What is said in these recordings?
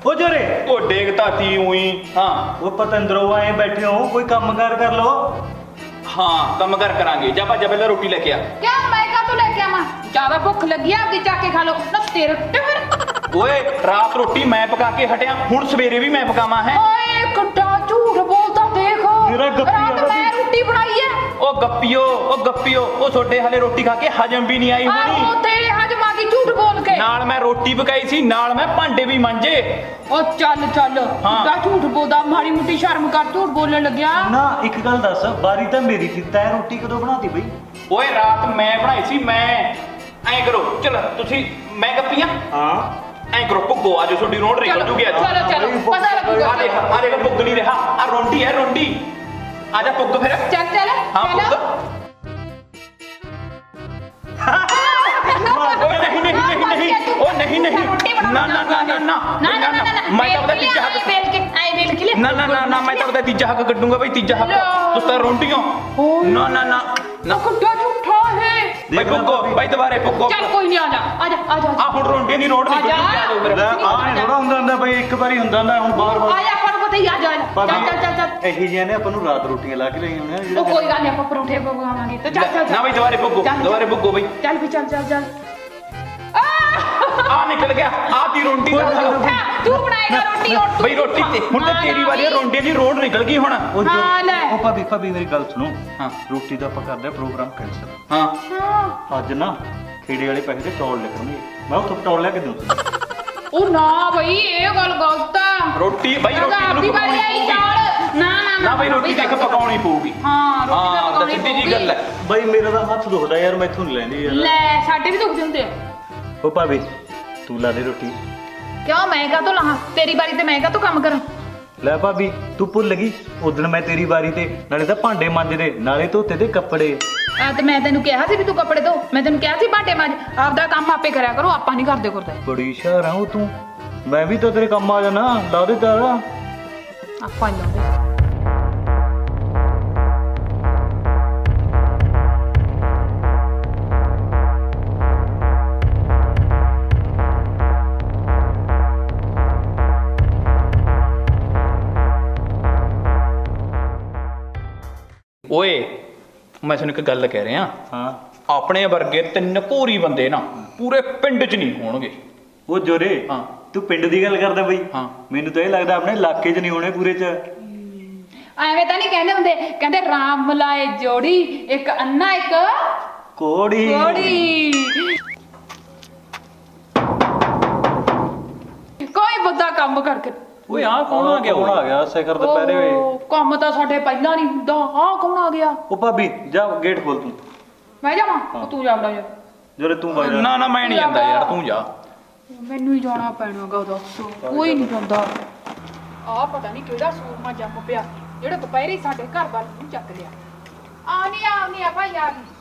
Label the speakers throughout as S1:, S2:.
S1: ओ जोरे
S2: ओ देखता थी हुई। हाँ
S1: वो पतंदरो आए बैठे हो, कोई कामगार कर लो।
S2: हाँ कम कर करांगे। जा भा पहले रोटी लेके आ।
S3: क्या मैं का तो लेके आवा? ज्यादा भुख लगी है, आपकी जाके खा लो ना तेरे फिर।
S2: ओए रात रोटी मैं पका के हटिया, हुण सवेरे भी मैं पकावा है।
S3: ओए कट्टा झूठ बोलता देखो।
S1: मेरा गप्पी
S3: रात
S1: है,
S3: मैं रोटी बनाई है।
S2: ओ गप्पियो ओ छोटे हाले रोटी खा के हजम भी नहीं आई
S3: आहो
S2: होनी।
S3: तेरे हजम आ गई झूठ बोल के।
S2: नाल मैं रोटी पकाई सी, नाल मैं भांडे भी मांजे।
S3: ओ चल चल
S2: हाँ।
S3: दा झूठ बोलदा, माड़ी मुट्टी शर्म कर, झूठ बोलने लग्या।
S1: ना एक गल दस, बारी तो मेरी थी, तै रोटी कदों बनाती बई?
S2: ओए रात मैं बनाई सी। मैं ऐ करो चल तुसी, मैं गप्पियां
S1: हाँ
S2: ऐ करो पुग्गो आज छोटी रोड निकल जूगी आज।
S3: चलो चलो पता लगूगा।
S2: आ देख पुग नहीं रहा, आ रोटी है रोटी। आजा पुग फिर।
S3: चल चल
S2: हाँ
S3: चलो।
S2: पुग। ओए नहीं नहीं नहीं नहीं, ओ नहीं नहीं, ना ना ना ना ना ना ना, मैं तो बता तीजा हक
S3: बेल के आई बेल के लिए।
S2: ना ना ना ना, मैं तो बता तीजा हक कड्डूंगा भाई, तीजा हक तुस तो रोटियों। ना ना ना ना
S3: कट्टा झूठा है।
S2: भाई पुग्गो भाई दोबारे पुग्गो।
S3: चल कोई नहीं, आजा आजा आजा
S2: आ हुण रोटियां दी रोड निकल जूगी, आ जाओ फिर।
S1: आ थोड़ा ਹੁੰਦਾ ਹੁੰਦਾ ਬਈ, ਇੱਕ ਵਾਰੀ ਹੁੰਦਾ ਹੁੰਦਾ, ਹੁਣ ਬਾਰ-ਬਾਰ
S3: आजा पर पता ही आ जा। चल चल चल चल।
S1: ਇਹੀ ਜਿਹੇ ਨੇ ਆਪਾਂ ਨੂੰ ਰਾਤ ਰੋਟੀਆਂ ਲਾ ਕੇ ਲਈ ਹੁੰਦੇ ਆ
S3: ओ कोई गल नहीं, ਆਪਾਂ ਪਰੌਂਠੇ ਪਕਾਵਾਂਗੇ ਤੇ ਚੱਲ ਚੱਲ
S2: ना भाई दोबारे पुग्गो, दोबारे पुग्गो भाई।
S3: ਚੱਲ ਵੀ ਚੱਲ ਚੱਲ ਚੱਲ।
S2: आ निकल गया, आ दी रोटी दा।
S3: तू बनाएगा रोटी और तू
S2: भाई रोटी ते हुण ते तेरी वाली रोटियां दी रोड निकल गई हुण।
S1: ਉਹ ਜੋ
S3: ਹਾਂ, ਲੈ।
S1: ਉਹ ਭਾਬੀ ਮੇਰੀ ਗੱਲ ਸੁਣੋ।
S2: ਹਾਂ।
S1: ਰੋਟੀ ਦਾ ਆਪਾਂ ਕਰਦੇ ਆ ਪ੍ਰੋਗਰਾਮ ਕੈਂਸਲ।
S2: हां
S3: हाँ।
S1: ਅੱਜ ਨਾ ਖੇੜੇ ਵਾਲੇ ਪੈਸੇ ਤੇ ਚੌਲ ਲਿਖਣਗੇ, ਮੈਂ ਉੱਥੋਂ ਪਟੌਲ ਲਿਆ ਕੇ ਦੂੰ।
S3: ओ ना भाई ये गल गलत है।
S2: रोटी भाई रोटी
S3: आपकी
S2: ਨੂੰ
S3: बारी आई चावल। ना ना
S2: ना भाई रोटी देख पकाउणी पਊਗੀ।
S3: हाँ रोटी
S2: हाँ
S3: तो
S2: ਤਾਂ ਸਿੱਧੀ ਜੀ ਗੱਲ ਹੈ।
S1: ਬਈ ਮੇਰਾ ਤਾਂ ਹੱਥ ਦੁਖਦਾ ਯਾਰ, ਮੈਥੋਂ ਨਹੀਂ ਲੈਂਦੀ ਯਾਰ।
S3: ले साडे भी दुखदे हुंदे।
S1: ਉਹ ਭਾਬੀ ਤੂੰ ਲਾ ਦੇ ਰੋਟੀ।
S3: क्यों मैं का तो लाहां, तेरी बारी ते मैं का तो काम करूं।
S1: ਲੈ ਭਾਬੀ ਤੂੰ ਭੁੱਲ ਗਈ ਉਦੋਂ ਮੈਂ ਤੇਰੀ ਵਾਰੀ ਤੇ ਨਾਲੇ ਤਾਂ ਭਾਂਡੇ ਮਾਂਜਦੇ, ਨਾਲੇ ਧੋਤੇ ਤੇ ਕੱਪੜੇ।
S3: ਆ ਤੇ ਮੈਂ ਤੈਨੂੰ ਕਿਹਾ ਸੀ ਵੀ ਤੂੰ ਕੱਪੜੇ ਧੋ, ਮੈਂ ਤੈਨੂੰ ਕਿਹਾ ਸੀ ਭਾਂਡੇ ਮਾਂਜ, ਆਪਦਾ ਕੰਮ ਆਪੇ ਕਰਿਆ ਕਰੋ, ਆਪਾਂ ਨਹੀਂ ਕਰਦੇ ਕਰਦੇ।
S1: ਬੜੀ ਸ਼ਾਰ ਆ ਉਹ ਤੂੰ, ਮੈਂ ਵੀ ਤਾਂ ਤੇਰੇ ਕੰਮ ਆ ਜਾਣਾ, ਲਾ ਦੇ ਤਾਰਾ।
S3: ਆਪਾਂ ਹੀ ਲਾਉਂਦੇ।
S2: ਓਏ ਮੈਂ ਤੁਹਾਨੂੰ ਇੱਕ ਗੱਲ ਕਹਿ ਰਿਹਾ,
S1: ਹਾਂ
S2: ਆਪਣੇ ਵਰਗੇ ਤਿੰਨ ਘੋਰੀ ਬੰਦੇ ਨਾ ਪੂਰੇ ਪਿੰਡ 'ਚ ਨਹੀਂ ਹੋਣਗੇ।
S1: ਉਹ ਜੋਰੇ,
S2: ਹਾਂ।
S1: ਤੂੰ ਪਿੰਡ ਦੀ ਗੱਲ ਕਰਦਾ ਬਈ?
S2: ਹਾਂ।
S1: ਮੈਨੂੰ ਤਾਂ ਇਹ ਲੱਗਦਾ ਆਪਣੇ ਇਲਾਕੇ 'ਚ ਨਹੀਂ ਹੋਣੇ ਪੂਰੇ 'ਚ।
S3: ਐਵੇਂ ਤਾਂ ਨਹੀਂ ਕਹਿੰਦੇ ਹੁੰਦੇ, ਕਹਿੰਦੇ ਰਾਮ ਮਲਾਏ ਜੋੜੀ, ਇੱਕ ਅੰਨਾ ਇੱਕ
S1: ਕੋੜੀ
S3: ਕੋੜੀ। ਕੋਈ ਬੰਦਾ ਕੰਮ ਕਰਕੇ।
S2: ਓਏ ਆ ਕੌਣ ਆ ਗਿਆ?
S1: ਕੌਣ ਆ ਗਿਆ ਸਿਖਰ ਦੁਪਹਿਰੇ ਵੇ?
S3: ਓਹ, ਕੰਮ ਤਾਂ ਸਾਡੇ ਪਹਿਲਾਂ ਨਹੀਂ ਹੁੰਦਾ, ਆਹ ਕੌਣ ਆ ਗਿਆ?
S1: ਉਹ ਭਾਬੀ ਜਾ ਗੇਟ ਖੋਲ ਤੂੰ।
S3: ਮੈਂ ਜਾਵਾਂ? ਉਹ ਤੂੰ ਜਾ ਬੜਾ ਜਾ।
S1: ਜੋਰੇ ਤੂੰ ਵਗ ਜਾ।
S2: ਨਾ ਨਾ ਮੈਂ ਨਹੀਂ ਜਾਂਦਾ ਯਾਰ, ਤੂੰ ਜਾ।
S3: ਮੈਨੂੰ ਹੀ ਜਾਣਾ ਪੈਣਾਗਾ, ਦੱਸ ਕੋਈ ਨਹੀਂ ਜਾਂਦਾ। ਆਹ ਪਤਾ ਨਹੀਂ ਕਿਹੜਾ ਸੂਰਮਾ ਜੰਮ ਪਿਆ ਜਿਹੜਾ ਦੁਪਹਿਰੇ ਹੀ ਸਾਡੇ ਘਰ ਵੱਲ ਨੂੰ ਚੱਕ ਲਿਆ। ਆਉਣੀ ਆ ਭਾਈ, ਆ ਗਈ।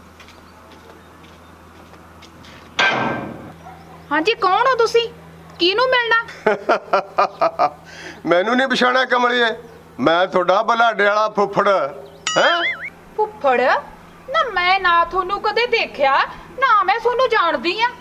S3: ਹਾਂਜੀ ਕੌਣ ਹੋ ਤੁਸੀਂ? ਕਿਹਨੂੰ ਮਿਲਣਾ?
S4: ਮੈਨੂੰ ਨਹੀਂ ਪਛਾਣਿਆ ਕਮਲੀਏ, ਮੈਂ ਤੁਹਾਡਾ ਬਲਾਡੇ ਵਾਲਾ ਫੁੱਫੜ ਹੈ।
S3: ਫੁੱਫੜ? ਨਾ ਮੈਂ ਨਾ ਤੁਹਾਨੂੰ ਕਦੇ ਦੇਖਿਆ, ਨਾ ਮੈਂ ਤੁਹਾਨੂੰ ਜਾਣਦੀ ਆ।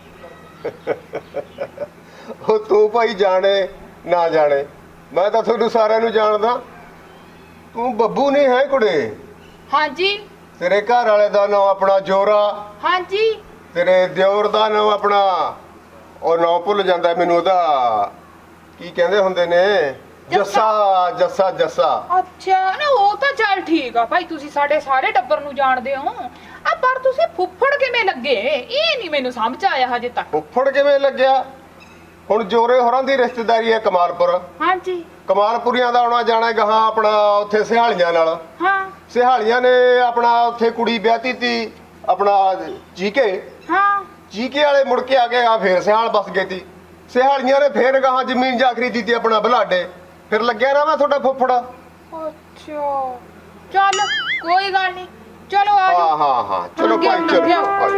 S4: ਉਹ ਤੂੰ ਭਾਈ ਜਾਣੇ ਨਾ ਜਾਣੇ, ਮੈਂ ਤਾਂ ਤੁਹਾਨੂੰ ਸਾਰਿਆਂ ਨੂੰ ਜਾਣਦਾ। ਤੂੰ ਬੱਬੂ ਨਹੀਂ ਹੈ ਕੁੜੇ?
S3: ਹਾਂਜੀ
S4: ਤੇਰੇ ਘਰ ਵਾਲੇ ਦਾ ਨਾਮ ਆਪਣਾ ਜੋਰਾ,
S3: ਹਾਂਜੀ।
S4: ਤੇਰੇ ਦਿਓਰ ਦਾ ਨਾਮ ਆਪਣਾ, ਉਹ ਨਾਮ ਭੁੱਲ ਜਾਂਦਾ ਮੈਨੂੰ, ਉਹਦਾ ਕੀ ਕਹਿੰਦੇ ਹੁੰਦੇ ਨੇ, ਜੱਸਾ ਜੱਸਾ ਜੱਸਾ।
S3: ਅੱਛਾ ਨਾ, ਉਹ ਤਾਂ ਚੱਲ ਠੀਕ ਆ ਭਾਈ, ਤੁਸੀਂ ਸਾਡੇ ਸਾਰੇ ਟੱਬਰ ਨੂੰ ਜਾਣਦੇ ਹੋ। ਆ ਪਰ ਤੁਸੀਂ ਫੁੱਫੜ ਕਿਵੇਂ ਲੱਗੇ, ਇਹ ਨਹੀਂ ਮੈਨੂੰ ਸਮਝ ਆਇਆ ਹਜੇ ਤੱਕ।
S4: ਫੁੱਫੜ ਕਿਵੇਂ ਲੱਗਿਆ? ਹੁਣ ਜੋਰੇ ਹੋਰਾਂ ਦੀ ਰਿਸ਼ਤੇਦਾਰੀ ਹੈ ਕਮਾਲਪੁਰ,
S3: ਹਾਂਜੀ
S4: ਕਮਾਲਪੁਰੀਆਂ ਦਾ ਆਉਣਾ ਜਾਣਾ ਗਾਹਾਂ ਆਪਣਾ ਉੱਥੇ ਸਿਹਾਲੀਆਂ ਨਾਲ।
S3: ਹਾਂ
S4: ਸਿਹਾਲੀਆਂ ਨੇ ਆਪਣਾ ਉੱਥੇ ਕੁੜੀ ਵਿਆਹਤੀ ਤੀ ਆਪਣਾ ਜੀਕੇ,
S3: ਹਾਂ।
S4: ਜੀਕੇ ਵਾਲੇ ਮੁੜ ਕੇ ਆ ਗਏ, ਆ ਫੇਰ ਸਿਹਾਲ ਬਸ ਗਏ ਤੀ। ਸਿਹਾਲੀਆਂ ਨੇ ਫੇਰ ਗਾਹਾਂ ਜ਼ਮੀਨ ਜਾ ਖਰੀਦੀ ਤੀ ਆਪਣਾ ਬਲਾਡੇ, ਫਿਰ ਲੱਗਿਆ ਨਾ ਮੈਂ ਤੁਹਾਡਾ ਫੁੱਫੜ।
S3: ਅੱਛਾ ਚੱਲ ਕੋਈ ਗੱਲ ਨਹੀਂ, ਚਲੋ ਆ ਜਾਓ।
S4: ਹਾਂ ਚਲੋ ਭਾਈ ਚਲੋ।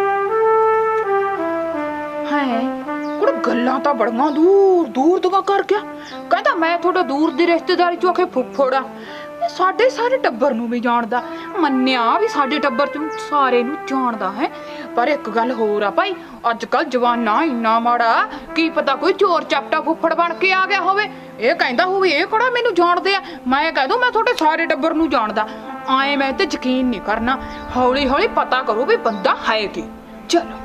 S3: ਹੈ ਕੁੜ ਗੱਲਾਂ ਤਾਂ ਬੜੀਆਂ ਦੂਰ ਦੂਰ ਦੀਆਂ ਕਰ ਗਿਆ। ਕਹਿੰਦਾ ਮੈਂ ਤੁਹਾਡਾ ਦੂਰ ਦੀ ਰਿਸ਼ਤੇਦਾਰੀ ਚੋਂ ਆਖੇ ਫੁੱਫੜ ਆ, ਇਹ ਸਾਡੇ ਸਾਰੇ ਟੱਬਰ ਨੂੰ ਵੀ ਜਾਣਦਾ। ਮੰਨਿਆ ਵੀ ਸਾਡੇ ਟੱਬਰ ਚ ਸਾਰੇ ਨੂੰ ਜਾਣਦਾ ਹੈ, ਪਰ ਇੱਕ ਗੱਲ ਹੋਰ ਆ ਭਾਈ, ਅੱਜ ਕੱਲ ਜਵਾਨਾ ਇੰਨਾ ਮਾੜਾ, ਕੀ ਪਤਾ ਕੋਈ ਚੋਰ ਚਾਪਟਾ ਫੁੱਫੜ ਬਣ ਕੇ ਆ ਗਿਆ ਹੋਵੇ। ਇਹ ਕਹਿੰਦਾ ਹੋਵੇ ਇਹ ਕਿਹੜਾ ਮੈਨੂੰ ਜਾਣਦੇ ਆ, ਮੈਂ ਕਹਿ ਦੂੰ ਮੈਂ ਤੁਹਾਡੇ ਸਾਰੇ ਟੱਬਰ ਨੂੰ ਜਾਣਦਾ। ਆਏ ਮੈਂ ਤੇ ਯਕੀਨ ਨਹੀਂ ਕਰਨਾ, ਹੌਲੀ ਹੌਲੀ ਪਤਾ ਕਰੋ ਵੀ ਬੰਦਾ ਹੈ ਕੀ। ਚਲੋ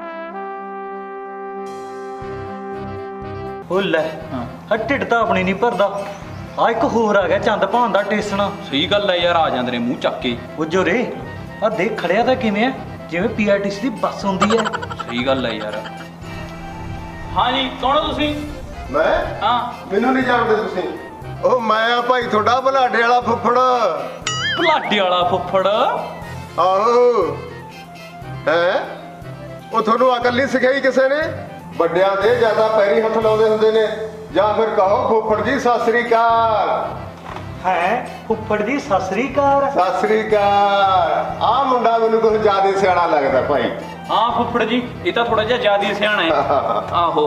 S1: ਉਹ ਲੈ ਹਾਂ ਢਿੱਡ ਤਾਂ ਆਪਣੀ ਨਹੀਂ ਭਰਦਾ, ਆ ਇੱਕ ਹੋਰ ਆ ਗਿਆ ਚੰਦ ਭਾਨ ਦਾ ਟੇਸਣਾ।
S2: ਸਹੀ ਗੱਲ ਹੈ ਯਾਰ, ਆ ਜਾਂਦੇ ਨੇ ਮੂੰਹ ਚੱਕ ਕੇ।
S1: ਉਹ ਜੋਰੇ ਆ ਦੇਖ ਖੜਿਆ ਤਾਂ ਕਿਵੇਂ ਆ, ਜਿਵੇਂ ਪੀਆਰਟੀਸੀ ਦੀ ਬੱਸ ਹੁੰਦੀ ਹੈ।
S2: ਸਹੀ ਗੱਲ ਹੈ ਯਾਰ। ਹਾਂ ਜੀ, ਕੌਣ ਹੋ ਤੁਸੀਂ?
S4: ਮੈਂ
S2: ਹਾਂ,
S4: ਮੈਨੂੰ ਨਹੀਂ ਜਾਣਦੇ ਤੁਸੀਂ? ਉਹ ਮੈਂ ਆ ਭਾਈ ਤੁਹਾਡਾ ਬਲਾਡੇ ਵਾਲਾ ਫੁੱਫੜ।
S2: ਭਲਾਡੇ ਵਾਲਾ ਫੁੱਫੜ?
S4: ਆਹੋ ਹੈ। ਉਹ ਤੁਹਾਨੂੰ ਅਕਲ ਨਹੀਂ ਸਿਖਾਈ ਕਿਸੇ ਨੇ? ਵੱਡਿਆਂ ਦੇ ਜ਼ਿਆਦਾ ਪੈਰੀ ਹੱਥ ਲਾਉਂਦੇ ਹੁੰਦੇ ਨੇ, ਜਾਂ ਫਿਰ ਕਹੋ ਫੁੱਫੜ ਜੀ ਸਤਿ ਸ੍ਰੀ ਅਕਾਲ।
S1: ਹੈ ਫੁੱਫੜ ਜੀ ਸਤਿ ਸ੍ਰੀ ਅਕਾਲ।
S4: ਸਤਿ ਸ੍ਰੀ ਅਕਾਲ। ਆਹ ਮੁੰਡਾ ਮੈਨੂੰ ਕੁਝ ਜ਼ਿਆਦਾ ਸਿਆਣਾ ਲੱਗਦਾ ਭਾਈ।
S2: ਹਾਂ ਫੁੱਫੜ ਜੀ, ਇਹ ਤਾਂ ਥੋੜਾ ਜਿਹਾ ਜ਼ਿਆਦਾ ਸਿਆਣਾ ਹੈ। ਆਹੋ।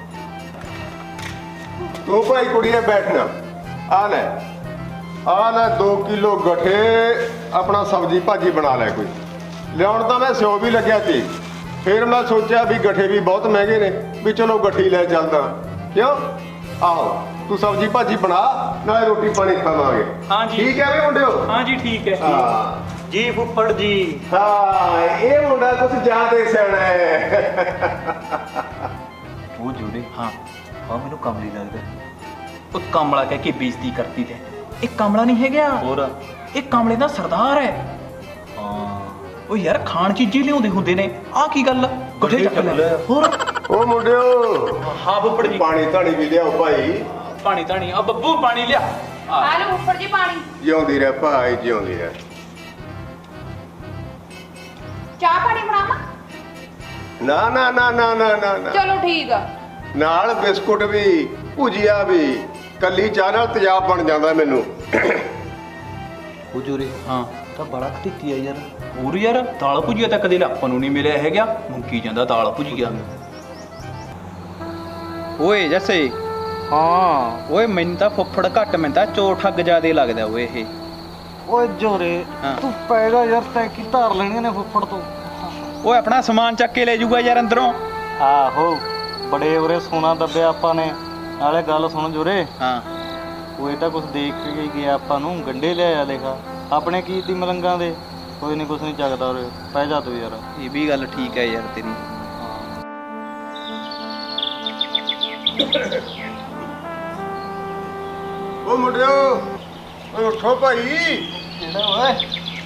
S4: ਤੂੰ ਭਾਈ ਕੁੜੀਏ ਬੈਠਣਾ। ਆ ਲੈ 2 ਕਿਲੋ ਗੱਠੇ, ਆਪਣਾ ਸਬਜ਼ੀ ਭਾਜੀ ਬਣਾ ਲੈ ਕੋਈ। ਲਿਆਉਣ ਤਾਂ ਮੈਂ ਸਿਓ ਵੀ ਲੱਗਿਆ ਸੀ, ਫਿਰ ਮੈਂ ਸੋਚਿਆ ਵੀ ਗੱਠੇ ਵੀ ਬਹੁਤ ਮਹਿੰਗੇ ਨੇ, ਵੀ ਚਲੋ ਗੱਠੀ ਲੈ ਚੱਲਦਾ। ਕਿਉਂ? ਆਹੋ ਤੂੰ ਸਬਜ਼ੀ ਭਾਜੀ ਬਣਾ, ਨਾਲੇ ਰੋਟੀ ਪਾਣੀ ਖਾਵਾਂਗੇ।
S2: ਹਾਂ ਜੀ।
S4: ਠੀਕ ਹੈ ਵੀ ਮੁੰਡਿਓ?
S2: ਹਾਂ ਜੀ ਠੀਕ ਹੈ।
S4: ਹਾਂ
S1: ਜੀ ਫੁੱਫੜ ਜੀ।
S4: ਹਾਂ, ਇਹ ਮੁੰਡਾ ਕੁਝ ਜ਼ਿਆਦਾ ਸਿਆਣਾ ਹੈ।
S1: ਉਹ ਜੋਰੇ
S2: ਹਾਂ,
S1: ਆ ਮੈਨੂੰ ਕਮਲੀ ਲੱਗਦਾ।
S2: ਉਹ ਕਮਲਾ ਕਹਿ ਕੇ ਬੇਇੱਜ਼ਤੀ ਕਰਤੀ ਤੇ। ਇਹ ਕਮਲਾ ਨਹੀਂ ਹੈਗਾ,
S1: ਹੋਰ
S2: ਇਹ ਕਮਲੇ ਦਾ ਸਰਦਾਰ ਹੈ।
S1: ਹਾਂ
S2: ਉਹ ਯਾਰ ਖਾਣ ਚੀਜ਼ੀ ਲਿਆਉਂਦੇ ਹੁੰਦੇ ਨੇ, ਆਹ ਕੀ ਗੱਲ? ਗੱਠੇ ਚੱਕ ਲੈ। ਹੋਰ
S4: ਉਹ ਮੁੰਡਿਓ
S2: ਹਾਂ ਫੁੱਫੜ ਜੀ,
S4: ਪਾਣੀ ਧਾਣੀ ਵੀ ਲਿਆਓ ਭਾਈ।
S2: ਪਾਣੀ ਧਾਣੀ। ਆ ਬੱਬੂ ਪਾਣੀ ਲਿਆ।
S3: ਆ ਲਓ ਫੁੱਫੜ ਜੀ ਪਾਣੀ।
S4: ਜਿਉਂਦੀ ਰਹਿ ਭਾਈ, ਜਿਉਂਦੀ ਰਹਿ।
S3: ਚਾਹ ਪਾਣੀ ਬਣਾਵਾਂ?
S4: ਨਾ ਨਾ ਨਾ ਨਾ ਨਾ ਨਾ ਨਾ।
S3: ਚਲੋ ਠੀਕ ਆ।
S4: ਨਾਲ ਬਿਸਕੁਟ ਵੀ, ਭੁਜੀਆ ਵੀ। ਕੱਲੀ ਚਾਹ ਨਾਲ ਤੇਜ਼ਾਬ ਬਣ ਜਾਂਦਾ ਮੈਨੂੰ।
S1: ਉਹ ਜੋਰੇ
S2: ਹਾਂ
S1: ਤਾਂ ਬੜਾ ਖਟੀਤੀ ਆ ਯਾਰ।
S2: ਹੋਰ ਯਾਰ, ਦਾਲ ਭੁਜੀਆ ਤਾਂ ਕਦੇ ਆਪਾਂ ਨੂੰ ਨਹੀਂ ਮਿਲਿਆ ਹੈਗਾ, ਮੁੰਕੀ ਜਾਂਦਾ ਦਾਲ ਭੁਜੀਆ। ਓਏ ਜੱਸੇ।
S5: ਹਾਂ
S2: ਓਏ ਮੈਨੂੰ ਤਾਂ ਫੁੱਫੜ ਘੱਟ, ਮੈਨੂੰ ਤਾਂ ਚੋਰ ਠੱਗ ਜਿਆਦੇ ਲੱਗਦਾ ਓਏ ਇਹ।
S5: ਓਏ ਜੋਰੇ
S2: ਹਾਂ।
S5: ਤੂੰ ਪੈਗਾ ਯਾਰ, ਤੈਂ ਕੀ ਧਾਰ ਲੈਣੀਆਂ ਨੇ ਫੁੱਫੜ ਤੋਂ?
S2: ਓਏ ਆਪਣਾ ਸਮਾਨ ਚੱਕ ਕੇ ਲੈ ਜਾਊਗਾ ਯਾਰ ਅੰਦਰੋਂ।
S5: ਆਹੋ ਬੜੇ ਉਰੇ ਸੋਨਾ ਦੱਬਿਆ ਆਪਾਂ ਨੇ। ਨਾਲੇ ਗੱਲ ਸੁਣ ਜੋਰੇ,
S2: ਹਾਂ
S5: ਉਹ ਇਹ ਤਾਂ ਕੁਝ ਦੇਖ ਕੇ ਹੀ ਗਿਆ ਆਪਾਂ ਨੂੰ, ਗੰਡੇ ਲਿਆਇਆ ਦੇਖਾ ਆਪਣੇ ਕੀ ਤੀ ਮਲੰਗਾਂ ਦੇ। ਕੋਈ ਨਹੀਂ ਕੁਛ ਨਹੀਂ ਚੱਕਦਾ ਉਰੇ, ਪੈ ਜਾ ਤੂੰ ਯਾਰ।
S2: ਇਹ ਵੀ ਗੱਲ ਠੀਕ ਹੈ ਯਾਰ ਤੇਰੀ।
S4: ਉਹ ਮੁੰਡਿਓ ਓਏ ਉੱਠੋ ਭਾਈ।
S5: ਕਿਹੜਾ ਓਏ?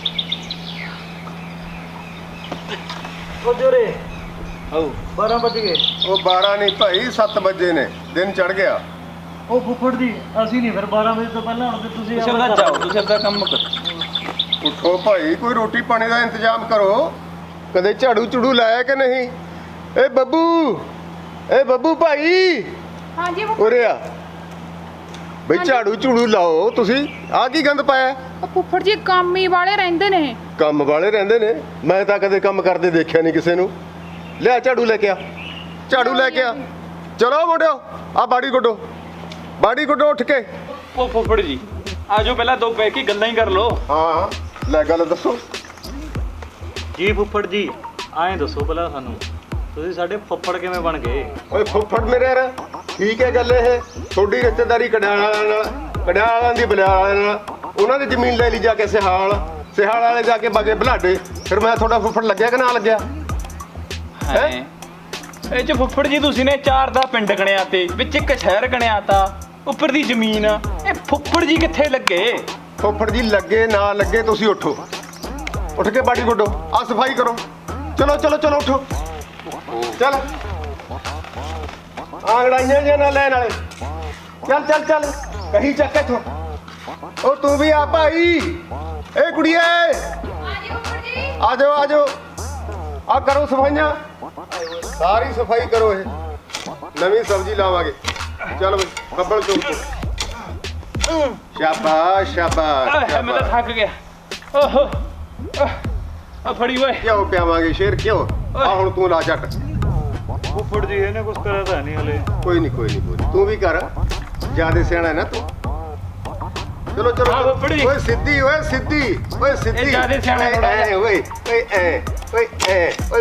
S1: ਉਹ ਜੋਰੇ
S5: ਓ
S1: 12 ਵਜ ਗਏ।
S4: ਉਹ 12 ਨਹੀਂ ਭਾਈ, 7 ਵਜੇ ਨੇ, ਦਿਨ ਚੜ ਗਿਆ।
S1: ਉਹ ਫੁੱਫੜ ਜੀ ਅਸੀਂ ਨਹੀਂ ਫਿਰ 12 ਵਜੇ ਤੋਂ ਪਹਿਲਾਂ ਹੁਣ ਤੇ ਤੁਸੀਂ
S2: ਤੁਸੀਂ ਆਪਣਾ ਜਾਓ, ਤੁਸੀਂ ਆਪਣਾ ਕੰਮ ਕਰੋ।
S4: ਉੱਠੋ ਭਾਈ, ਕੋਈ ਰੋਟੀ ਪਾਣੀ ਦਾ ਇੰਤਜ਼ਾਮ ਕਰੋ। ਕਦੇ ਝਾੜੂ ਝੂੜੂ ਲਾਇਆ ਕਿ ਨਹੀਂ? ਏ ਬੱਬੂ ਭਾਈ
S3: ਹਾਂਜੀ ਫੁੱਫੜ।
S4: ਉਰੇ ਆ ਬਈ, ਝਾੜੂ ਝੂੜੂ ਲਾਓ ਤੁਸੀਂ। ਆ ਕੀ ਗੰਦ ਪਾਇਆ?
S3: ਉਹ ਫੁੱਫੜ ਜੀ ਕੰਮ ਹੀ ਵਾਲੇ ਰਹਿੰਦੇ ਨੇ।
S4: ਕੰਮ ਵਾਲੇ ਰਹਿੰਦੇ ਨੇ? ਮੈਂ ਤਾਂ ਕਦੇ ਕੰਮ ਕਰਦੇ ਦੇਖਿਆ ਨਹੀਂ ਕਿਸੇ ਨੂੰ। ਲਿਆ ਝਾੜੂ ਲੈ ਕੇ ਆ, ਝਾੜੂ ਲੈ ਕੇ ਆ। ਚਲੋ ਮੁੰਡਿਓ ਆ ਬਾੜੀ ਗੁੱਡੋ ਉੱਠ ਕੇ।
S2: ਉਹ ਫੁੱਫੜ ਜੀ ਆਜੋ, ਪਹਿਲਾਂ ਦੋ ਬਹਿ ਕੇ ਗੱਲਾਂ ਹੀ ਕਰ ਲੋ।
S4: ਹਾਂ ਲੈ ਗੱਲ ਦੱਸੋ।
S1: ਜੀ ਫੁੱਫੜ ਜੀ ਐਂ ਦੱਸੋ ਪਹਿਲਾਂ ਸਾਨੂੰ, ਤੁਸੀਂ ਸਾਡੇ ਫੁੱਫੜ ਕਿਵੇਂ ਬਣ ਗਏ?
S4: ਓਏ ਫੁੱਫੜ ਮੇਰੇ ਯਾਰ, ਠੀਕ ਹੈ ਗੱਲ ਇਹ। ਤੁਹਾਡੀ ਰਿਸ਼ਤੇਦਾਰੀ ਕੜਿਆਲਾਂ ਦੀ ਬਲਿਆਲਾਂ ਨਾਲ। ਉਹਨਾਂ ਦੀ ਜ਼ਮੀਨ ਲੈ ਲਈ ਜਾ ਕੇ ਸਿਹਾਲ ਵਾਲੇ ਜਾ ਕੇ ਬਾਗੇ ਬਲਾਡੇ। ਫਿਰ ਮੈਂ ਤੁਹਾਡਾ ਫੁੱਫੜ ਲੱਗਿਆ ਕਿ ਨਾ ਲੱਗਿਆ?
S2: ਹੈ ਇਹ ਚ ਫੁੱਫੜ ਜੀ ਤੁਸੀਂ ਨੇ 4 ਦਾ ਪਿੰਡ ਗਣਿਆ ਤੇ ਵਿੱਚ ਇੱਕ ਸ਼ਹਿਰ ਗਣਿਆ ਤਾ, ਉੱਪਰ ਦੀ ਜ਼ਮੀਨ। ਇਹ ਫੁੱਫੜ ਜੀ ਕਿੱਥੇ ਲੱਗੇ?
S4: ਫੁੱਫੜ ਜੀ ਲੱਗੇ ਨਾ ਲੱਗੇ, ਤੁਸੀਂ ਉੱਠੋ, ਉੱਠ ਕੇ ਬਾੜੀ ਗੁੱਡੋ, ਆ ਸਫਾਈ ਕਰੋ। ਚਲੋ ਉੱਠੋ, ਚੱਲ ਆਂਗੜਾਈਆਂ ਜਿਹਾ ਨਾ ਲੈਣ ਵਾਲੇ। ਚੱਲ ਕਹੀ ਚੱਕ ਇੱਥੋਂ। ਉਹ ਤੂੰ ਵੀ ਆ ਭਾਈ। ਏ ਕੁੜੀਏ ਆ ਜਾਓ ਆ ਕਰੋ ਸਫਾਈਆਂ, ਸਾਰੀ ਸਫਾਈ ਕਰੋ। ਇਹ ਨਵੀਂ ਸਬਜ਼ੀ ਲਾਵਾਂਗੇ। ਚੱਲ ਬਈ ਬੱਬਲ ਚੋਕ ਤੋਂ। ਸ਼ਾਬਾਸ਼
S2: ਮੈਂ ਤਾਂ ਥੱਕ ਗਿਆ। ਓਹੋ ਆ ਫੜੀ ਓਏ।
S4: ਕਿਉਂ ਪਿਆਵਾਂਗੇ ਸ਼ੇਰ, ਕਿਉਂ? ਆ ਹੁਣ ਤੂੰ ਲਾ ਝੱਟ।
S1: ਫੁੱਫੜ ਜੀ ਇਹਨੇ ਕੁਝ ਕਰਿਆ ਤਾਂ ਨਹੀਂ ਹਲੇ।
S4: ਕੋਈ ਨਹੀਂ ਤੂੰ ਵੀ ਕਰ, ਜਿਆਦਾ ਸਿਆਣਾ ਹੈ ਨਾ ਤੂੰ। ਚਲੋ ਚਲੋ
S2: ਹਾਂ, ਫੁੱਫੜ ਜੀ।
S4: ਓਏ ਸਿੱਧੀ ਓਏ ਸਿੱਧੀ ਓਏ ਸਿੱਧੀ
S2: ਜ਼ਿਆਦੇ ਸਿਆਣਾ ਥੋੜ੍ਹਾ ਜਿਹਾ।
S4: ਓਏ ਓਏ ਐ ਓਏ ਐ ਓਏ